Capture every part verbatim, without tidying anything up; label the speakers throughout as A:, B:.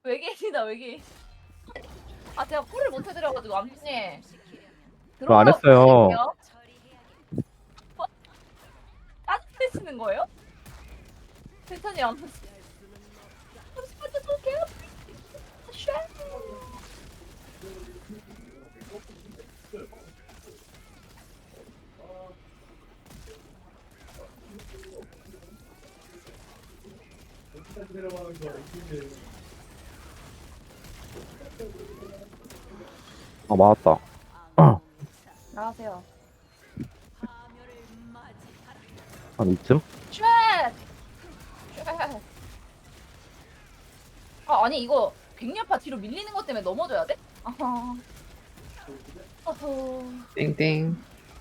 A: 외계인이다 외계인. 아 제가 콜을 못 해드려가지고 암수님.
B: 저 안 했어요.
A: 짜증내시는 거예요? 괜찮이 암수. 잠시만요 쏠게요. 쉐.
B: 아, 맞았다.
A: 나가세요.
B: 한 이쯤?
A: 쉐. 쉐. 아 아니 이거 백년파 뒤로 밀리는 것 때문에 넘어져야 돼? 아하. 어허.
C: 땡땡.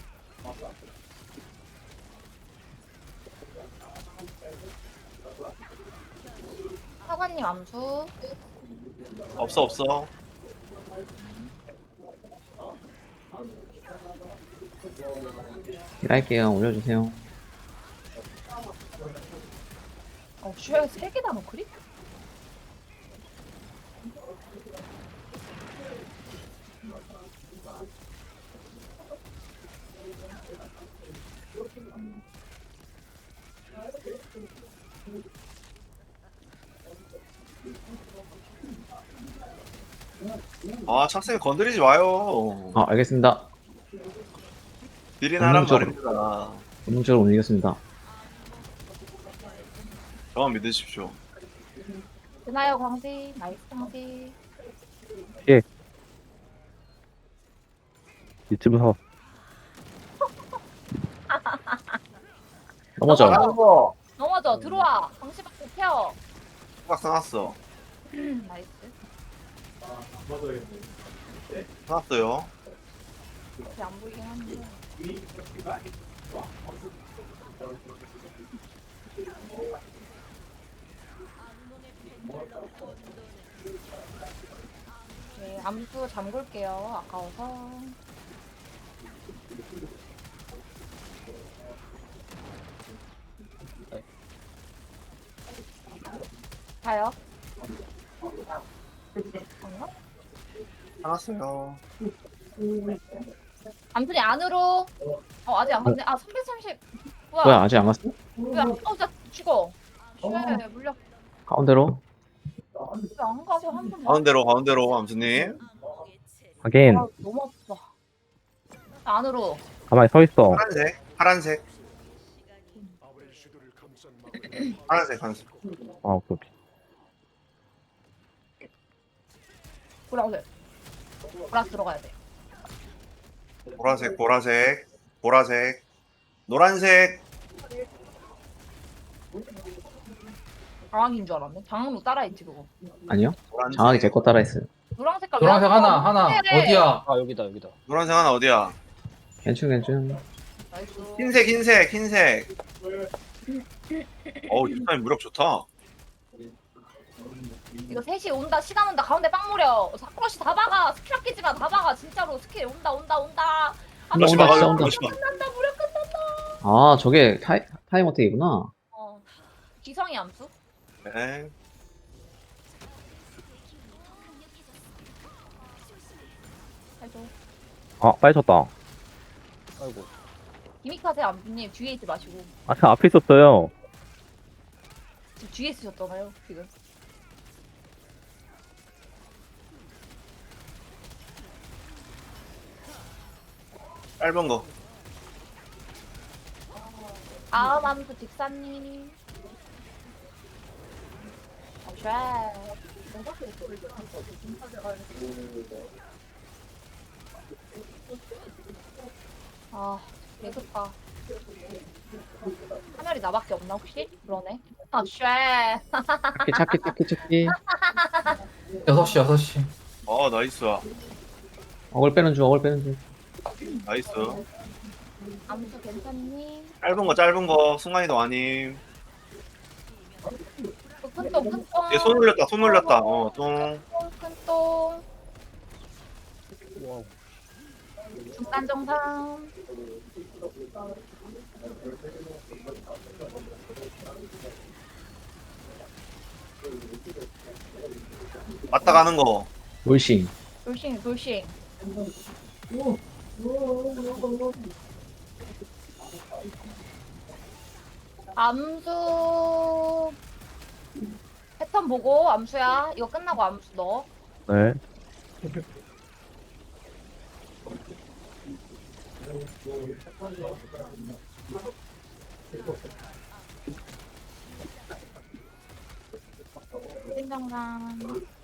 A: 사관님 암수.
D: 없어 없어.
C: 딜할게요. 올려주세요.
A: 어, 쉐, 세 개다 노크리?
D: 아 착생 건드리지 마요.
C: 아, 알겠습니다.
D: 딜이나 하란
C: 본능적으로.
D: 말입니다.
C: 본능적으로 옮기겠습니다.
D: 저만 믿으십시오.
A: 드나요, 광시. 나이스, 광시.
B: 이쯤에서.
C: 넘어져.
A: 넘어져. 넘어져, 들어와. 광시 받고 케어.
D: 딱 써놨어.
A: 나이스.
D: 써놨어요.
A: 이렇게 안 보이긴 한데. 네, 암수 잠글게요. 아까워서. 가요. 잠깐만.
D: 써놨어요.
A: 암순이 안으로. 어, 아직 안 갔네. 아, 삼백삼십. 뭐야?
C: 뭐야, 아직 안 갔어?
A: 왜 안, 어, 나 죽어. 쉐, 물려.
C: 가운데로.
A: 왜안 가서 한 번.
D: 가운데로 가운데로 암수님.
B: 하긴,
A: 아, 너무 아프다. 안으로.
B: 가만히 서 있어.
D: 파란색 파란색 파란색 파란색.
B: 아, 오케이, 오케이.
A: 보라색. 보라색 들어가야 돼.
D: 보라색 보라색 보라색 노란색.
A: 장학인 줄 알았네. 장학로 따라했지 그거.
C: 아니요.
D: 노란색.
C: 장하게 제 거 따라 했어요.
A: 노랑 색깔.
E: 노란색
A: 왜 안
E: 하나
A: 나와?
E: 하나
A: 그래.
E: 어디야? 아 여기다 여기다.
D: 노란색 하나 어디야?
C: 괜찮, 괜찮.
A: 나이스.
D: 흰색 흰색 흰색. 어우 유타임 무력 좋다.
A: 이거 셋이 온다. 시간 온다. 가운데 빵 무려. 사쿠라씨 다 박아. 스킬 아끼지 마. 다 박아. 진짜로 스킬 온다 온다 온다. 아,
C: 온다,
D: 러시마
C: 온다, 진짜
D: 가요,
C: 온다.
D: 러시마.
A: 끝난다. 무려 끝난다.
C: 아, 저게 타이, 타임 어택이구나.
A: 어. 기성이 암수.
D: 네.
A: 해줘.
B: 아, 빨리 쳤다.
E: 아이고.
A: 기믹하세 암수님 뒤에 있지 마시고.
B: 아, 저 앞에 있었어요.
A: 지금 뒤에 있으셨잖아요. 지금.
D: 짧은 거.
A: 다음 암수 직사님. 아, 아, 개급다. 하늘이 나밖에 없나 혹시? 그러네. 아, 쉐.
C: 찾기, 찾기, 찾기, 찾기.
E: 여섯 시 여섯 시.
D: 어 나이스
C: 어글 빼는 중, 어글 빼는 중.
D: 나이스.
A: 암수 괜찮니?
D: 짧은 거 짧은 거 순간이동 아님.
A: 그 큰똥 큰똥.
D: 얘 손 올렸다 손 올렸다. 어 똥.
A: 큰똥.
E: 와우.
A: 중간 정상.
D: 맞다 가는 거.
C: 돌싱.
A: 돌싱 돌싱. 암수 패턴 보고 암수야. 이거 끝나고 암수 넣어.
B: 네.
A: 신정상.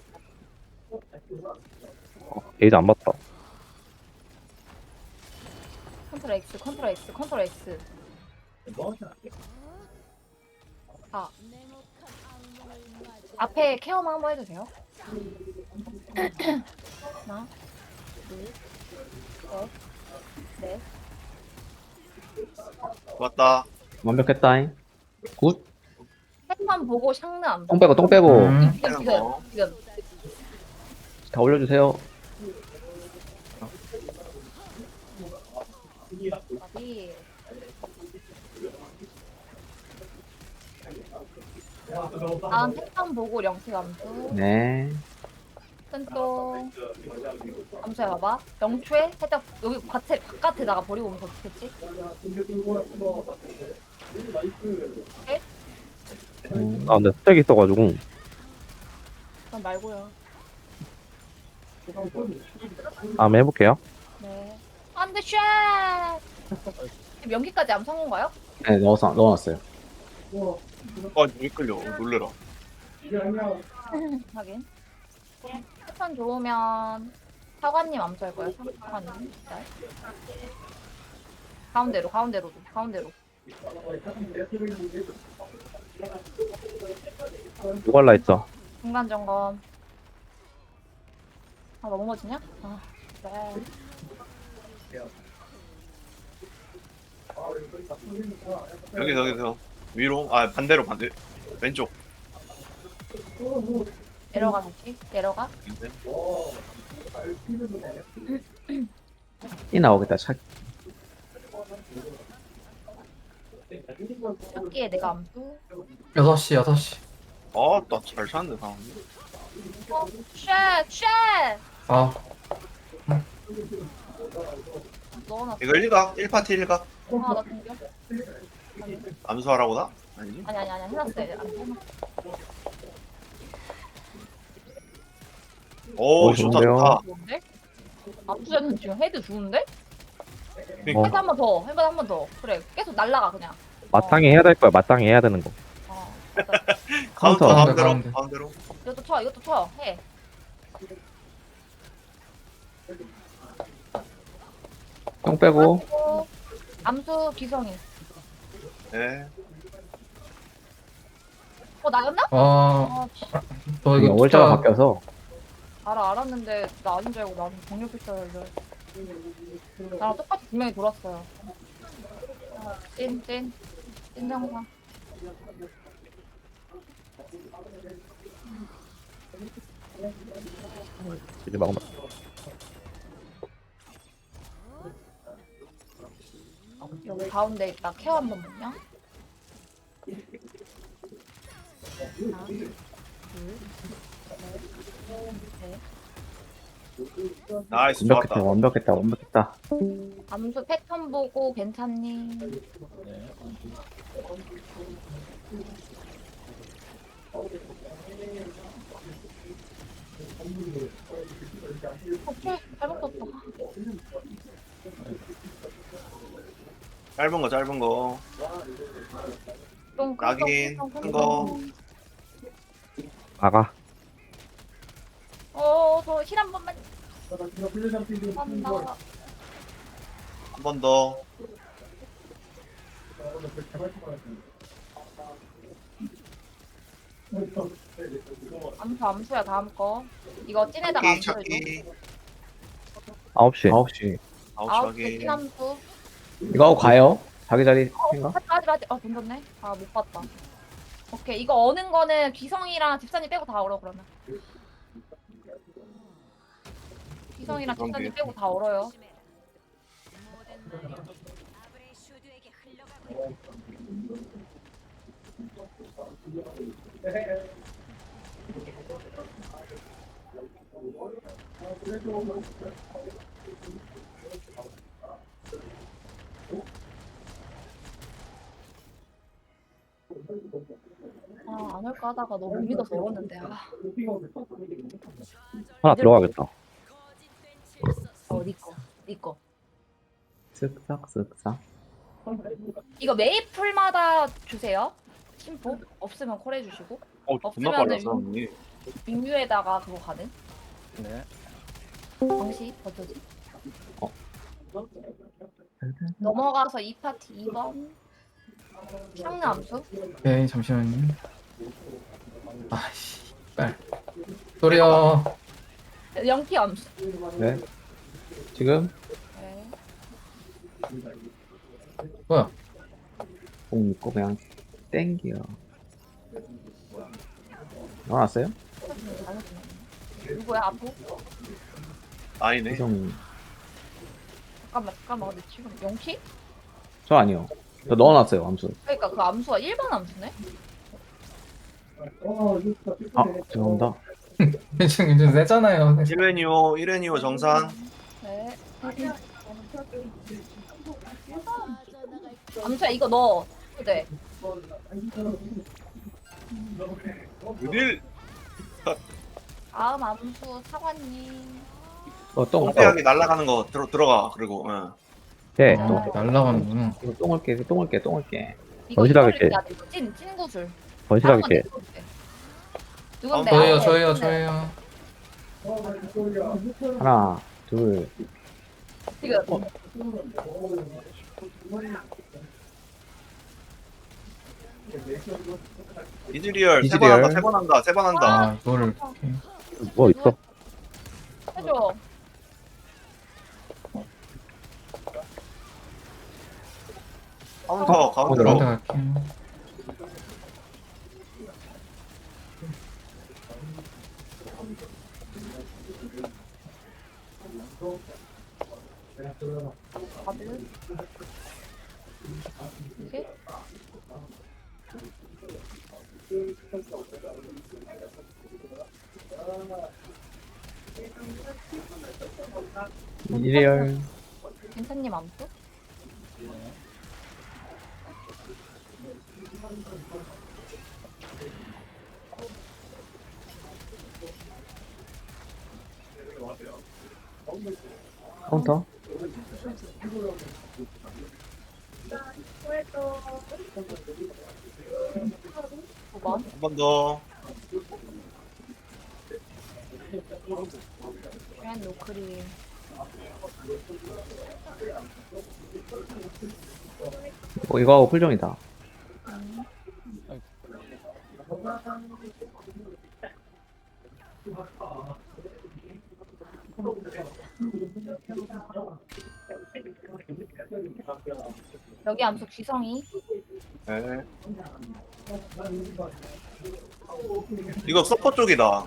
B: 게이지 안 봤다.
A: 컨트롤 X 컨트롤 X 컨트롤 X. 아 앞에 케어만 한번 해주세요. 하나 둘셋넷
D: 맞다.
C: 완벽했다잉. 굿.
A: 패턴 보고 샹느 암수.
C: 똥 빼고 똥 빼고.
E: 음.
A: 지금 지금 지금.
C: 다 올려주세요.
A: 어디? 다음 패턴 보고 영식 암수.
C: 네.
A: 큰또 암수야 봐봐. 영초에 살짝 여기 밭에 바깥에다가 버리고 오면 더 좋겠지?
C: 음.
B: 아, 근데 스택이 있어가지고.
A: 그럼 말고요.
B: 다음에 해볼게요.
A: 네. 안돼 쉣. 지금 연기까지 암 성공가요?
C: 네, 넣어서, 넣어놨어요.
D: 아, 왜 끌려? 놀래라.
A: 하긴. 패턴 좋으면 사관님 암수할 거예요. 사관님. 네. 가운데로 가운데로 가운데로.
B: 누갈라 있어.
A: 중간 점검. 아, 너 넘어지냐? 아, 네.
D: 여기, 여기, 여기. 위로? 아, 반대로, 반대. 왼쪽.
A: 내려가 다시. 내려가.
C: 이 나오겠다, 차.
A: 여기에 내가 암수.
E: 여섯 시 여섯 시.
D: 아, 나 잘 사는데, 사람.
A: 어, 쉣! 쉣!
E: 아
A: 넣어놨어.
D: 이거 일각, 일 파티 일각.
A: 아, 나 등겨.
D: 암수하라고 나? 아니지?
A: 아니, 아니, 아니, 해놨어요. 안 해놨어.
D: 오,
B: 오,
D: 좋다,
B: 좋은데요?
D: 좋다.
A: 좋은데? 암수는 지금 헤드 좋은데?
D: 그러니까.
A: 헤드 한 번 더. 헤드 한 번 더. 그래, 계속 날라가, 그냥.
B: 마땅히 해야 될 거야. 마땅히 해야 되는 거.
A: 어, 맞아.
D: 카운터,
C: 카운터,
D: 가운데로,
E: 가운데.
D: 가운데로.
A: 이것도 쳐, 이것도 쳐. 해.
C: 똥 빼고.
A: 그리고 암수 기성이.
D: 네.
A: 어, 나였나?
E: 아,
A: 아, 씨.
E: 저
C: 이거
E: 이거
C: 월자가
E: 진짜
C: 바뀌어서.
A: 알아, 알았는데, 나 아닌 줄 알고 나는 동력 필사를. 나랑 똑같이 두 명이 돌았어요. 아, 찐, 찐. 찐 정상.
B: 이제 막
A: 여기 가운데 있다. 케어 한 번만요. 하나, 둘, 셋, 넷.
D: 나이스,
C: 완벽했다,
D: 좋았다.
C: 완벽했다, 완벽했다.
A: 암수 패턴 보고 괜찮니? 오케이, 잘못 썼다.
D: 짧은 거, 짧은 거.
A: 좀
D: 낙인,
A: 큰 거,
D: 큰 거.
B: 나가.
A: 어, 저 힐 한 번만. 한다.
D: 한 번 더.
A: 암수 암수야 다음 거. 이거 찐에다가
D: 찾기,
A: 암수 해줘.
D: 찾기.
B: 아홉 시.
C: 아홉 시.
D: 아웃
A: 아홉 개
D: 확인.
A: 찐 암수.
C: 이거 하고 가요? 자기 자리 생각?
A: 하지 하지 하지. 아 던졌네. 아 못 봤다. 오케이 이거 어는 거는 기성이랑 집사님 빼고 다 얼어 그러면. 기성이랑
D: 그럼
A: 집사님
D: 되겠다.
A: 빼고 다 얼어요. 아, 안 올까 하다가 너무 못 믿어서 얼었는데. 아,
B: 하나 들어가겠다.
A: 어, 니 거. 니 거.
C: 쓱싹 쓱싹.
A: 이거 메이플마다 주세요. 심포 없으면 콜 해주시고.
D: 어 존나
A: 없으면은
D: 빨라
A: 용-
D: 사람이.
A: 윙유에다가 그거 가능.
F: 네.
A: 방시 어쩌지?
C: 어.
A: 넘어가서 이 파티 이 번. 향암수.
E: 오케이, 잠시만요. 아씨, 빨. 소리요.
A: 영피 암수.
C: 네. 지금
A: 네.
E: 뭐야?
C: 공 믿고 그냥 땡겨. 나왔어요?
A: 누구야 아프?
D: 아니네.
C: 이성.
A: 잠깐만 잠깐만 근데 지금 영피?
C: 저 아니요. 저 넣어놨어요 암수.
A: 그러니까 그 암수가 일 번 암수네?
C: 아 죄송합니다.
E: 괜찮, 괜찮, 세잖아요.
D: 일 회니오 일 회니오 정산.
A: 네. 암수야 이거 넣어. 네.
D: 어딜
A: 다음 암수 사관님.
C: 어, 똥. 어,
D: 똥배하게 날아가는 거 들어 들어가. 그리고 응.
B: 예.
E: 아, 날라가는구나.
C: 이거 똥을 깨, 똥을 깨, 똥을 깨.
A: 이거
B: 건실하게
A: 이거를 해야 돼. 이거 찐, 찐 구슬.
B: 건실하게
A: 다른
B: 깨.
A: 건 내 건데. 누군데?
E: 저예요,
A: 아,
E: 저예요,
A: 네.
E: 저예요.
C: 하나, 둘.
A: 지금
D: 이즈리얼 세 번
C: 이즈리얼.
D: 한다 세 번 한다 세 번 한다.
E: 아, 이거를 이렇게.
B: 뭐 있어?
A: 해줘.
D: 카운터
C: 가운데로.
D: 카운터.
E: 가운데 갈게요.
A: 다들. 이게?
C: 이리얼.
A: 괜찮님 암수?
C: 카운터.
A: 두 번.
D: 한 번 더.
A: 앤 노크림.
C: 어, 이거 하고 풀정이다.
A: 여기 암수 기성이.
D: 네. 이거 서퍼 쪽이다.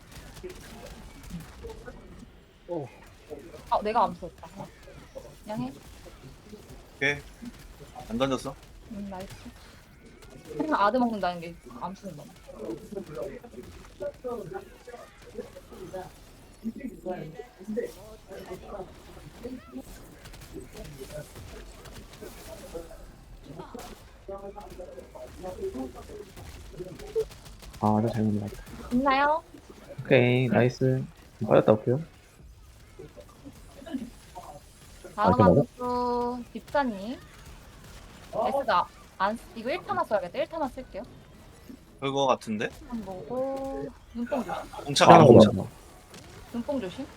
A: 아 내가 암수였다. 그냥 해.
D: 오케이. 안 던졌어?
A: 음 나이스. 그냥 아드 먹는다는 게 암수는 너무.
C: 아, 저 잘못 맞다.
A: 있나요?
C: 오케이, 나이스. 빠졌다 올게요.
A: 다음
B: 아, 이거
A: 암수 딥사님. S가 안 쓰- 이거 일 타만 써야겠다. 일 타만 쓸게요.
D: 그거 같은데?
A: 한 보고 눈뽕 조심.
D: 공차
B: 아,
D: 아, 공차.
B: 뭐야.
A: 눈뽕 조심.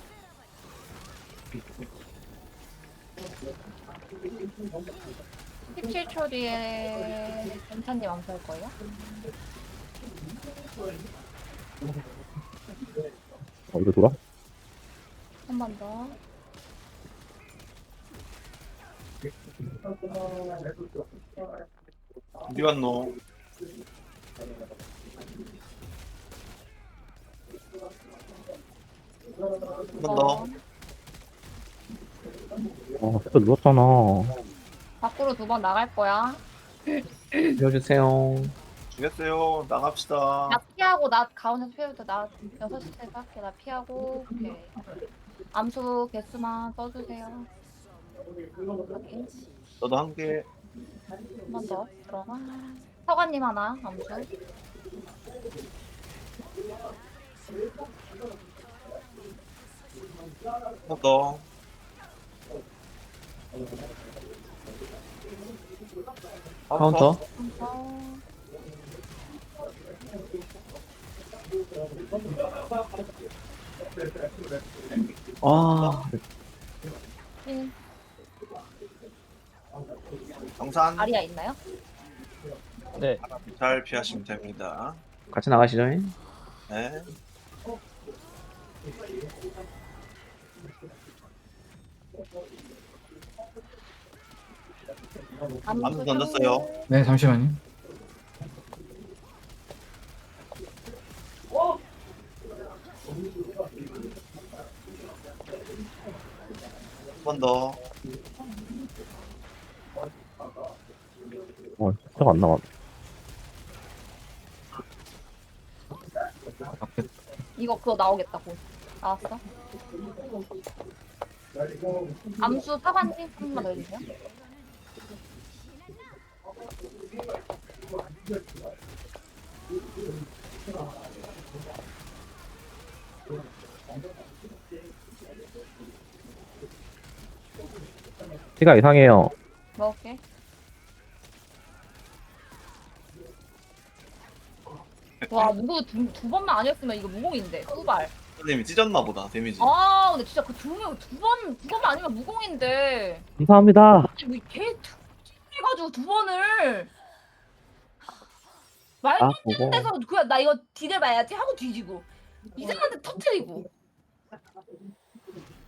A: 십칠 초 뒤에 괜찮님 암수할 거예요.
B: 어, 이거 돌아?
A: 한 번 더.
D: 어디 갔노? 한 번 더.
B: 아, 진짜 눌렀잖아.
A: 밖으로 두 번 나갈 거야.
C: 빌려주세요.
D: 죽였어요. 나갑시다.
A: 약피야 피하고 나 가운데서 피해도 나 여섯 시에서 할게. 나 피하고 오케이. 암수 개수만 써주세요. 확인.
D: 너도 한 개.
A: 한 번 더 들어가. 사관님 하나 암수.
D: 한 번 더.
C: 카운터.
A: 카운터.
C: 아,
A: 신.
D: 정산.
A: 아리아 있나요?
B: 네.
D: 잘 피하시면 됩니다.
C: 같이 나가시죠.
D: 네. 암수 던졌어요.
A: 상대.
E: 네, 잠시만요.
D: 한 번 더.
B: 어, 숫자가 안 나와.
A: 이거 그거 나오겠다 곧. 나왔어? 암수 사관님 한 번만 더 해주세요.
B: 피가 이상해요.
A: 먹을게. 와 누구 두, 두 번만 아니었으면 이거 무공인데 후발.
D: 선생님이 찢었나 보다, 데미지.
A: 아 근데 진짜 그 두명두번두 번만 아니면 무공인데.
B: 감사합니다.
A: 뭐걔 해가지고 두 번을 말도
C: 아,
A: 안
C: 보고.
A: 되는 데서 그냥 나 이거 디딜 봐야지 하고 뒤지고 이상한 데 터트리고